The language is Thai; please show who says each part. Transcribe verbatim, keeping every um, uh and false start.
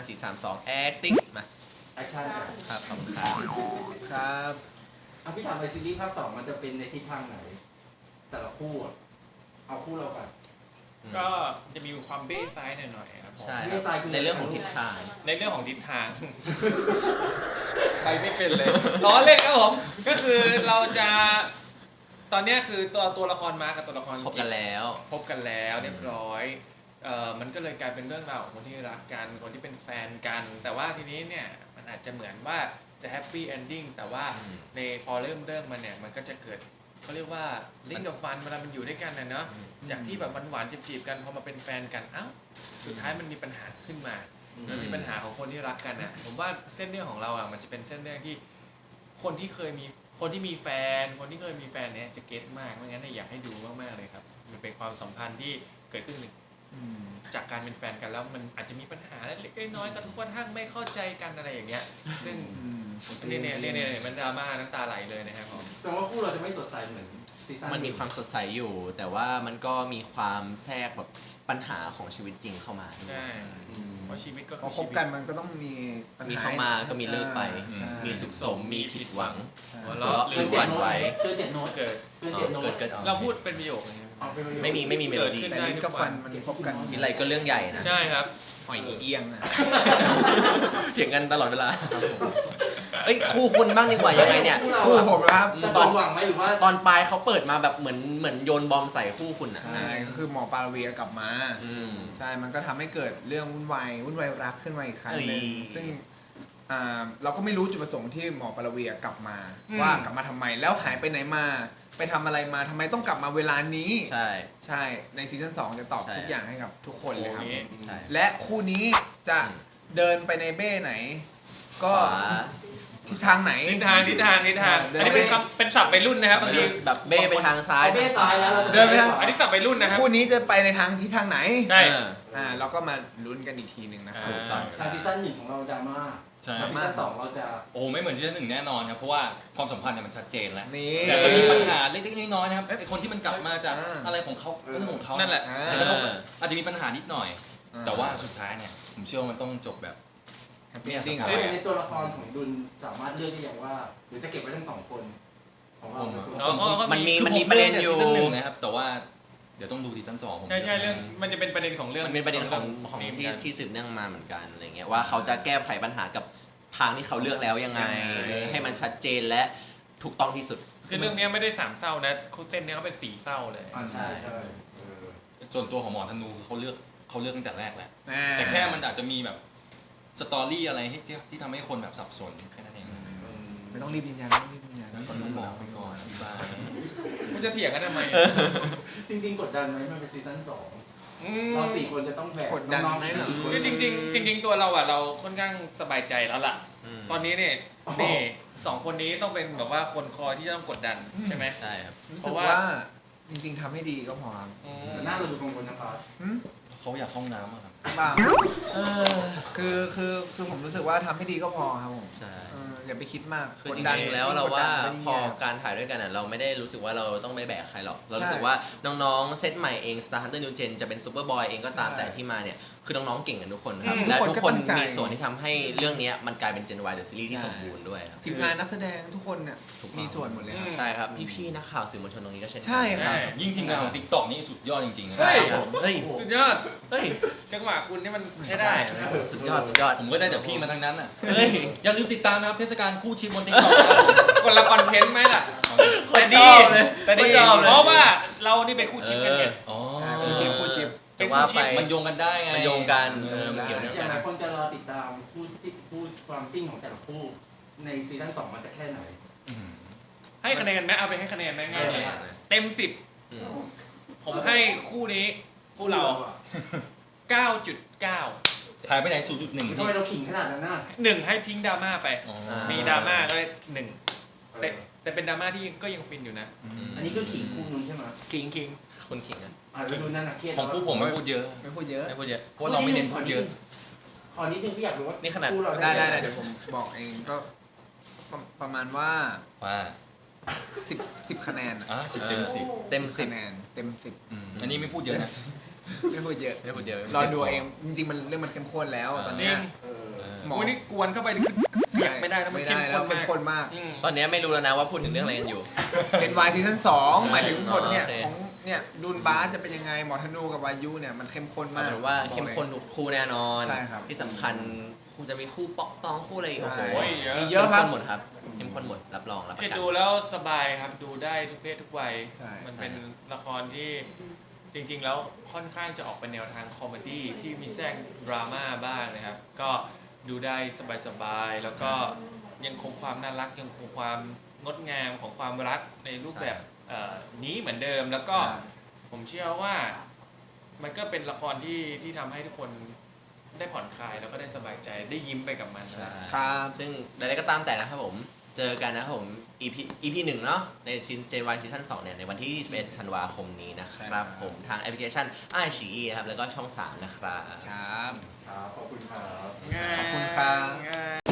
Speaker 1: สี่ สาม สอง acting มา
Speaker 2: แอคชั่น
Speaker 1: ครับขอบคุณครับ
Speaker 3: ครับ
Speaker 2: อ่ะพี่ถามไปซีรีส์ภาคสองมันจะเป็นในทิศทางไหนแต่ละคู่อะเอาคู่เราก่อน
Speaker 4: ก็จะมีความเบ้ซ้ายหน่อยๆครับผม
Speaker 1: ใช่ครับในเรื่องของทิศทาง
Speaker 4: ในเรื่องของทิศทาง ไปไม่เป็นเลยล้อเล่นครับผมก็คือเราจะตอนเนี้ยคือตัวตัวละครมากับตัวละคร
Speaker 1: คบกันแล้ว
Speaker 4: คบกันแล้วเรียบร้อยเอ่อมันก็เลยกลายเป็นเรื่องราวของคนที่รักกันคนที่เป็นแฟนกัน แต่ว่าทีนี้เนี่ยมันอาจจะเหมือนว่าจะแฮปปี้เอนดิ้งแต่ว่า
Speaker 1: อืม
Speaker 4: ในพอเริ่มเรื่องมันเนี่ยมันก็จะเกิดเขาเรียกว่าลิ้นกับฟันเวลามันอยู่ด้วยกันนะเนาะ
Speaker 1: อืม
Speaker 4: จากที่แบบหวานๆจีบๆกันพอมาเป็นแฟนกันเอ้าสุดท้ายมันมีปัญหาขึ้นมา มันมีปัญหาของคนที่รักกันอ่ะผมว่าเส้นเรื่องของเราอ่ะมันจะเป็นเส้นเรื่องที่คนที่เคยมีคนที่มีแฟน คนที่เคยมีแฟนเนี่ยจะเก็ตมากเพราะงั้นเนี่ยอยากให้ดูมากๆเลยครับมันเป็นความสัมพันธ์ที่เกิดขึ้นจากการเป็นแฟนกันแล้วมันอาจจะมีปัญหาเล็กๆน้อยๆกันกระทั่งไม่เข้าใจกันอะไรอย่างเงี้ยซึ่งเนี่ยเนี่ยเนี่ยเนี่ยมันดราม่าน้ำตาไหลเลยนะครับผม
Speaker 2: แสดงว่าคู่เราจะไม่สดใสเหมือนซีซั่น
Speaker 1: มันมีความสดใสอยู่ แต่ว่ามันก็มีความแทรกแบบปัญหาของชีวิตจริงเข้ามาด้วย
Speaker 4: ใช่
Speaker 1: อืม
Speaker 4: เพราะชีวิตก็
Speaker 3: พ
Speaker 4: คือ อ
Speaker 3: ค
Speaker 4: ชี
Speaker 3: บ
Speaker 4: วิต
Speaker 3: กันมันก็ต้องมีปัญห
Speaker 1: มีเข้ามาก็มีเลิกไป
Speaker 3: ใช่
Speaker 1: มีสุขสมมีผิดหวัง
Speaker 4: หัว
Speaker 1: หัว
Speaker 4: เราะ
Speaker 1: เราะ
Speaker 4: ห
Speaker 1: ห
Speaker 4: รื
Speaker 1: รือ อ
Speaker 4: ห
Speaker 1: ห
Speaker 4: วั่
Speaker 1: วัน นไหว
Speaker 2: เกินเจ็ดโน้ต
Speaker 4: เกิด
Speaker 2: เกินเจ็ดโน้
Speaker 1: เกิ
Speaker 2: ต
Speaker 1: ดเกิดออก
Speaker 4: เราพูดเป็นประโยคเลย
Speaker 2: เอาปเลย
Speaker 1: ไม่มีไม่มีเมโลดี้
Speaker 4: เกิดขึ้น
Speaker 3: แต่ลิ้นกับฟันมันพบกัน
Speaker 1: มีอะไรก็เรื่องใหญ่นะ
Speaker 4: ใช่ครับ
Speaker 3: หอยเอียงอ่ะ
Speaker 1: เถียงกันตลอดเวลาเอ้ยคู่คุณบ้างดีกว่ายังไงเนี่ย
Speaker 3: คู่ผมครับ
Speaker 2: จะสมหวังไหมหรือว่า
Speaker 1: ตอนปลายเขาเปิดมาแบบเหมือนเหมือนโยนบอมใส่คู่คุณอ่ะ
Speaker 3: ใช่ก็คือหมอปลาเวียกลับมา
Speaker 1: อืม
Speaker 3: ใช่มันก็ทำให้เกิดเรื่องวุ่นวายวุ่นวายรักขึ้นมาอีกครั้งหนึ่ง
Speaker 1: เอ้ย
Speaker 3: ซึ่งอ่าเราก็ไม่รู้จุดประสงค์ที่หมอปลาเวียกลับมา
Speaker 4: อืม
Speaker 3: ว่ากลับมาทำไมแล้วหายไปไหนมาไปทำอะไรมาทำไมต้องกลับมาเวลานี้
Speaker 1: ใช่
Speaker 3: ใช่ในซีซั่นสองจะตอบ
Speaker 1: ใช่
Speaker 3: ทุกอย่างให้กับทุกคนเลยครับ
Speaker 4: โอ้ย
Speaker 1: ใช่
Speaker 3: และคู่นี้จะเดินไปในเบ้ไหน ก็
Speaker 1: ขวา
Speaker 3: ทิศทางไหน
Speaker 4: ทิศทางทิศทางทิศทาง
Speaker 3: เดิน
Speaker 4: อันนี้เป็นคำเป็นศัพท์วัยรุ่นนะครับบางที
Speaker 1: แบบเบ้ไปทางซ้าย
Speaker 2: เอาเบ้ซ้ายแล้วเราจะ
Speaker 3: เดินไปทาง
Speaker 4: อันนี้ศัพท์วัยรุ่นนะครับ
Speaker 3: คู่นี้จะไปในทางทิศทางไหน
Speaker 4: ใช่
Speaker 1: เออ
Speaker 3: อ่าเราก็มาลุ้นกันอีกทีหนึ่งนะครับ
Speaker 4: อ่า
Speaker 1: ใช่
Speaker 2: ทางซีซั่นหนึ่งของเราดราม่า
Speaker 5: ใช่
Speaker 2: ทางซีซั่นสองเราจะ
Speaker 5: โอ้ไม่เหมือนซีซั่นหนึ่งแน่นอนครับเพราะว่าความสัมพันธ์เนี่ยมันชัดเจนแล้ว
Speaker 3: นี่
Speaker 5: แต่จะมีปัญหาเล็กๆน้อยๆนะครับไอคนที่มันกลับมาจาก
Speaker 3: อ่า
Speaker 5: อะไรของเขาเรื่องของเขา
Speaker 4: นั่นแหละ
Speaker 3: อ่า
Speaker 5: แล้วเขาอาจจะมีปัญหานิดหน่อย
Speaker 3: อ่า
Speaker 5: แต่ว่าสุดท้ายเนี่ยผมเชื่อว่ามันต้องจบแบบ
Speaker 3: แฮปปี้จริง
Speaker 5: ครับ
Speaker 2: ซึ่งในตัวละครของดุลสามารถเลือกได้อย่างว่า หรือจะเก็บไว้ทั้งสองคนของเรา
Speaker 5: ผมอะ
Speaker 4: อ๋ออ๋อก็
Speaker 1: มันมี
Speaker 5: คือ
Speaker 1: มัน
Speaker 5: ผ
Speaker 1: มี
Speaker 5: ม
Speaker 1: ประ
Speaker 5: เลื
Speaker 1: เด็
Speaker 5: อก
Speaker 1: น
Speaker 5: แต่
Speaker 1: อ
Speaker 5: ซี
Speaker 1: ยู่
Speaker 5: ซั่นหนึ่งนะครับแต่ว่าเดี๋ยวต้องดูซีซั่นสองผม
Speaker 4: ใช่ใช่เรื่องมันจะเป็นประเด็นของเรื่อง
Speaker 1: มันเป็นประเด็นของของ
Speaker 4: นี้
Speaker 1: ที่
Speaker 4: เหมือนกัน
Speaker 1: ที่สืบเนื่องมาเหมือนกันอะไรเงี้ยว่าเขาจะแก้ไขปัญหากับทางที่เขาเลือกแล้วยังไง
Speaker 3: ใช่
Speaker 1: ให้มันชัดเจนและถูกต้องที่สุด
Speaker 4: คือเรื่องเนี้ยไม่ได้สามเศร้านะคู่เต้นเนี้ยเขาเป็นสี่เศร้าเลย
Speaker 2: อ่าใช่ใช่เออ
Speaker 5: ส่วนตัวของหมอธนูคือเขาเลือกเขาเลือกตั้งแต่แรกแหละ
Speaker 3: อ่า
Speaker 5: แต่แค่มันอาจจะมีแบบสตอรี่อะไรที่ที่ที่ทำให้คนแบบสับสนแค่นั้นเอง
Speaker 3: ไม่ต้องรีบยืนยันไม่ต้องรีบยืนยัน
Speaker 5: แล้วก็ต้องบอกไปก่อนอธิบาย
Speaker 4: มันจะเถียงกันทำไม
Speaker 2: จริงๆกดดันไหมมันเป็นซีซั่นสอง
Speaker 4: อืม
Speaker 2: เราสี่คนจะต้องแบก
Speaker 3: กดดัน
Speaker 2: น้องๆ
Speaker 3: ไหมเหรอ
Speaker 2: สี่คน
Speaker 4: คือจริงๆจริง ๆ ตัวเราอ่ะเราค่อนข้างสบายใจแล้วล่ะ ตอนนี้เนี่ยนี่สองคนนี้ต้องเป็นแบบว่าคนคอยที่จะต้องกดดันใช่ไหม
Speaker 1: ใช่ครับ
Speaker 3: รู้
Speaker 4: เพ
Speaker 3: สึก
Speaker 4: ราะว่า
Speaker 3: ว่าจริงๆทำให้ดีก็พอครับ
Speaker 4: อืม
Speaker 2: แต่หน้าเราดูกังวลนะครับ
Speaker 3: หืม
Speaker 5: เขาอยากเข้าห้องน้ำอะครับ
Speaker 3: บ้าคือคือคือผมรู้สึกว่าทำให้ดีก็พอครับผม
Speaker 1: ใช่
Speaker 3: เอออย่าไปคิดมาก
Speaker 1: คือก
Speaker 3: ด
Speaker 1: จ
Speaker 3: ดัน
Speaker 1: ริงๆแล้วเราว่า
Speaker 3: ยิ่งกดดัน
Speaker 1: พอ
Speaker 3: ยิ่งแย่
Speaker 1: การถ่ายด้วยกันอ่ะเราไม่ได้รู้สึกว่าเราต้องไปแบกใครหรอก เรารู้สึก
Speaker 3: ใช่
Speaker 1: ว่าน้องๆเซตใหม่เอง Star Hunter New Gen จะเป็นซูเปอร์บอยเองก็ตาม
Speaker 3: ใช่
Speaker 1: แต่ที่มาเนี่ยคือน้องๆเก่งกันทุกคนครับ
Speaker 3: อืม
Speaker 1: และ
Speaker 3: ทุ
Speaker 1: ทุ
Speaker 3: ก
Speaker 1: ก
Speaker 3: ค
Speaker 1: คน น
Speaker 3: ก็ตั้งใจ
Speaker 1: มีส่วนที่ทำให้เรื่องเนี้ยมันกลายเป็น Gen Y The Series ที่
Speaker 3: ใช่
Speaker 1: สมบูรณ์ด้วยครับ
Speaker 3: ทีมงานนักแสดงทุกคนเนี่ย
Speaker 1: ถูกต้อง
Speaker 3: มีส่วนหมดเลยครับ
Speaker 1: ใช่ครับพี่ๆนักข่าวสื่อมวลชนตรงนี้ก็เช่นกัน
Speaker 3: ใช่ครับ
Speaker 5: ยิ่งทีมงานของ TikTok นี่สุดยอดจริงๆนะ
Speaker 4: ใช่
Speaker 1: ครับเฮ้ย
Speaker 4: สุดยอด
Speaker 1: เฮ้ย
Speaker 4: จังหวะคุณนี่มันใช้ได้
Speaker 1: สุดยอดสุดยอด
Speaker 5: ผมก็ได้แต่พี่มาทั้งนั้นอ่ะ
Speaker 1: เฮ้ย
Speaker 5: อย่าลืมติดตามนะครับเทศกาลคู่ชิปบน TikTok
Speaker 4: คนละคอนเทนต์ไหมล่ะ
Speaker 1: คน
Speaker 4: แต่
Speaker 1: ช
Speaker 4: ดี
Speaker 1: อบเลย
Speaker 4: แต่ดี
Speaker 1: คนชอบเลย
Speaker 4: เพราะว่าเรานี่เป็นคู่ชิปกันไง
Speaker 5: อ๋อ
Speaker 3: ใช่คู่ชิปคู่ชิป
Speaker 1: แต่ว่าไป
Speaker 5: มันโยงกันได้ไง
Speaker 1: มันโยงกันเออมันเกี่ยว
Speaker 2: อ
Speaker 1: เนื่อง
Speaker 2: ย่าง
Speaker 1: กัน
Speaker 2: หลายคนจะรอติดตามพูดที่พูดความจริงของแต่ละคู่ในซีซั่นสองมันจะแค่ไหน
Speaker 5: อืม
Speaker 4: ให้คะแนนไหมเอาไปให้คะแนนไหมง่ายเลย
Speaker 2: เออ
Speaker 4: เต็มสิบ
Speaker 1: อืม
Speaker 4: ผมให้คู่นี้คู่เรา เก้าจุดเก้า
Speaker 5: ถ่ายไปไหน ศูนย์จุดหนึ่ง
Speaker 2: ทำไมเราขิงขนาดนั้นน่ะ
Speaker 4: หนึ่งให้ทิ้งดราม่าไป
Speaker 5: อ๋อ
Speaker 4: มีดราม่าก็ได้หนึ่ง
Speaker 2: เอ
Speaker 4: แต่
Speaker 2: อ
Speaker 4: แต่เป็นดราม่าที่ก็ยังฟินอยู่นะ
Speaker 5: อืม
Speaker 2: อันนี้คือขิงคู่นู้นใช่ไหม
Speaker 4: คิงคิง
Speaker 1: คุณขิงอ่ะ
Speaker 2: อ่าแล้วดูนั่นน่ะเครียด
Speaker 5: ของคู่ผมไม่พูดเยอะ
Speaker 3: ไม่พูดเยอะ
Speaker 1: ไม่พูดเยอะ
Speaker 5: เพราะเราไม่เน้นพูดเยอะ
Speaker 2: ขอนิดนึงพี่อยากรู้ว่า
Speaker 1: นี่ขนาด
Speaker 2: คู่เรา
Speaker 3: ได้ได้ได้เดี๋ยวผมบอกเองก็ประประมาณว่า
Speaker 5: ว่า
Speaker 3: สิบสิบคะแนนอะ
Speaker 5: อ่ะสิบเต็มสิบ
Speaker 1: เต็มสิบ
Speaker 3: คะแนนเต็มสิบ
Speaker 5: อืมอันนี้ไม่พูดเยอะนะ
Speaker 3: ไม่พูดเยอะ
Speaker 1: ไม่พูดเยอะ
Speaker 3: รอดูเอาเองจริงๆมันเรื่องมันเข้มข้นแล้วตอนเนี้ย
Speaker 2: เออ
Speaker 3: หมอ
Speaker 4: วันนี้กวนเข้าไปนี่คือเปียกไม่ได้นะมัน
Speaker 3: ไม่
Speaker 4: เข้
Speaker 3: ได้
Speaker 4: ม
Speaker 3: แล้ว
Speaker 4: ข้น
Speaker 3: เข้ม
Speaker 4: มาก
Speaker 3: ข้นมาก
Speaker 4: อืม
Speaker 1: ตอนนี้ไม่รู้แล้วนะว่าพูดถึงเรื่องอะไรกันอยู่
Speaker 3: เจนวายซีซั่นสองหมายถึงผลเนี่ย
Speaker 1: โอเค
Speaker 3: ของเนี่ยดูนบาสจะเป็นยังไงหมอธนูกับวายุเนี่ยมันเข้มข้น
Speaker 1: เอา
Speaker 3: มาก
Speaker 1: เป็นว่าเข้มข้นทุกคู่แน่นอน
Speaker 3: ใช่ครับ
Speaker 1: ที่สำคัญคงจะมีคู่ป๊อกปองคู่อะไรอีก
Speaker 3: ใช่
Speaker 1: โอ้โห
Speaker 4: โอ้ยเยอะ
Speaker 3: มีเยอะครับ
Speaker 1: ข้มข้นหมดครับเข้มข้นหมดรับรองรับประ
Speaker 4: แค่
Speaker 1: กัน
Speaker 4: ดูแล้วสบายครับดูได้ทุกเพศทุกวัย
Speaker 3: ใช่
Speaker 4: มันเป็นละครที่จริงๆแล้วค่อนข้างจะออกเป็นแนวทางคอมเมดี้ที่มีแทรกดราม่าบ้างนะครับ ก็ดูได้สบายๆแล้วก็ยังคงความน่ารักยังคงความงดงามของความรักในรูปแบบเอ่อนี้เหมือนเดิมแล้วก็ ผมเชื่อว่ามันก็เป็นละครที่ที่ทำให้ทุกคนได้ผ่อนคลายแล้วก็ได้สบายใจได้ยิ้มไปกับมัน
Speaker 1: ใช่
Speaker 3: ครับ
Speaker 1: ซึ่งใดๆก็ตามแต่นะครับผม เจอกันนะครับผม EP EP หนึ่งเนาะในซีน เจ วาย ซีซั่นสองเนี่ยในวันที่ยี่สิบเอ็ดธันวาคมนี้นะครับผมทางแอปพลิเคชัน ไอ ซี อี นะครับแล้วก็ช่องสามนะครับ
Speaker 3: ครับ
Speaker 2: ครับขอบคุณครับ
Speaker 3: ขอบคุณครับ
Speaker 4: ง่าย